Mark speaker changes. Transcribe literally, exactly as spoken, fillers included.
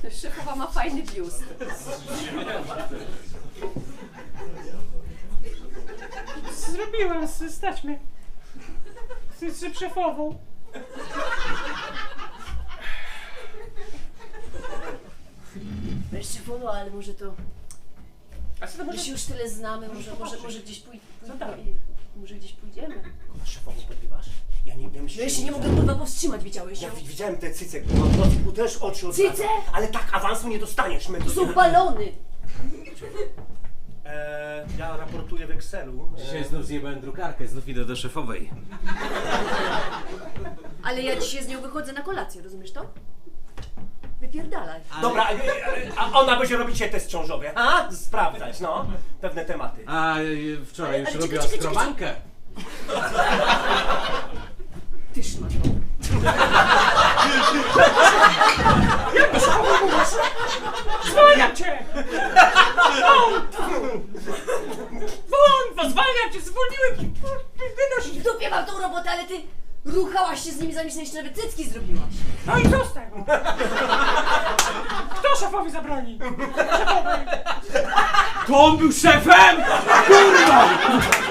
Speaker 1: Szefowa ma fajny biust.
Speaker 2: Zrobiłem, z- stać mnie. Z, z szefową.
Speaker 1: Wiesz, szefowo, ale może to...
Speaker 2: A co to
Speaker 1: My
Speaker 2: może...
Speaker 1: się już tyle znamy, może, może, może gdzieś pój...
Speaker 2: Co dalej?
Speaker 1: Może gdzieś pójdziemy.
Speaker 3: Szefową podrywasz? Ja nie, ja myślę,
Speaker 1: No ja się nie mogę kurwa powstrzymać, widziałeś
Speaker 3: Ja
Speaker 1: ją?
Speaker 3: wi- widziałem te cyce, kurwa, w nocy też oczy odwraca.
Speaker 1: Cyce?
Speaker 3: Ale tak awansu nie dostaniesz, my
Speaker 1: To są balony!
Speaker 3: Eee, ja raportuję w Excelu.
Speaker 4: Dzisiaj znów zjebałem drukarkę, znów idę do szefowej.
Speaker 1: Ale ja dzisiaj z nią wychodzę na kolację, rozumiesz to? Wypierdalaj.
Speaker 3: Dobra, a, a ona będzie robić się test ciążowy, a? Sprawdzać, no, pewne tematy.
Speaker 4: A y, wczoraj
Speaker 1: Ale-
Speaker 4: już
Speaker 1: ale
Speaker 4: robiła
Speaker 1: czekaj, czekaj,
Speaker 4: skrobankę.
Speaker 1: Ty szmato.
Speaker 2: Zwalniam cię! Won! Zwalniam cię! Zwolniłem cię! Wynoś!
Speaker 1: W dupie mam tą robotę, ale ty ruchałaś się z nimi, zanim sobie jeszcze nawet cycki zrobiłaś.
Speaker 2: No i co z tego? Kto szefowi zabroni? Szefowej!
Speaker 4: To on był szefem? Kurwa!